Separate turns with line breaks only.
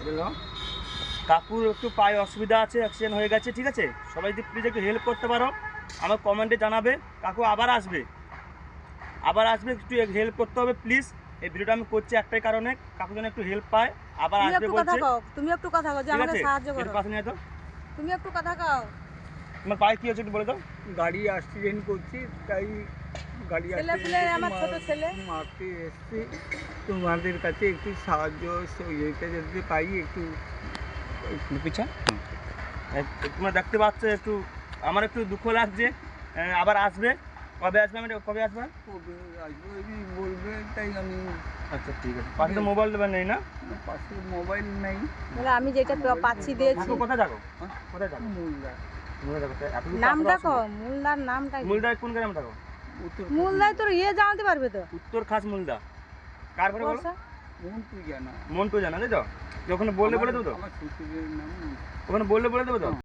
কাকুর একটু পায়ে অসুবিধা আছে, অ্যাক্সিডেন্ট হয়ে গেছে, ঠিক আছে? সবাই যদি প্লিজ একটু হেল্প করতে পারো আমার কমেন্টে জানাবে। কাকু আবার আসবে, একটু হেল্প করতে হবে প্লিজ। এই ভিডিওটা আমি করছি একটাই কারণে, কাকু যেন একটু হেল্প পায়, আবার আসবে বলছে।
তুমি একটু কথা কও যে আমাকে সাহায্য করো।
পাশে নিয়ে তো
তুমি একটু কথা কও।
তোমার পায়ে কি হচ্ছে একটু বলে দাও।
গাড়ি অ্যাক্সিডেন্ট করছি, তাই গাড়ি
আমার ছোট ছেলে
মারতে এসছি। তোমাদের কাছে একটু সাহায্য সহযোগিতা যদি পাই একটু
পিছা তোমরা দেখতে পাচ্ছ, একটু আমার একটু দুঃখ লাগছে। আবার আসবে, কবে আসবে? আমি কবে আসবে?
কবে আসবো বলবে, তাই আমি।
আচ্ছা ঠিক আছে। পাশে তো মোবাইল দেবেন নেই না?
পাশে মোবাইল নেই।
আমি যেটা পাচ্ছি দিয়েছি।
কোথায় যাবো? কোথায় যাবো?
নামটা কও, মুলদার নামটা কি?
মুলদা কোন গ্রামে থাকো?
মুলদায় তোর জানতে পারবে তো।
উত্তর খাস মুলদা। কার ঘরে বলো?
মন্টু জানা।
মন্টু জানা, তাই তো? ওখানে বললে বলে দেবো তো?
আমার শ্বশুরের নাম
ওখানে বললে বলে দেবো তো?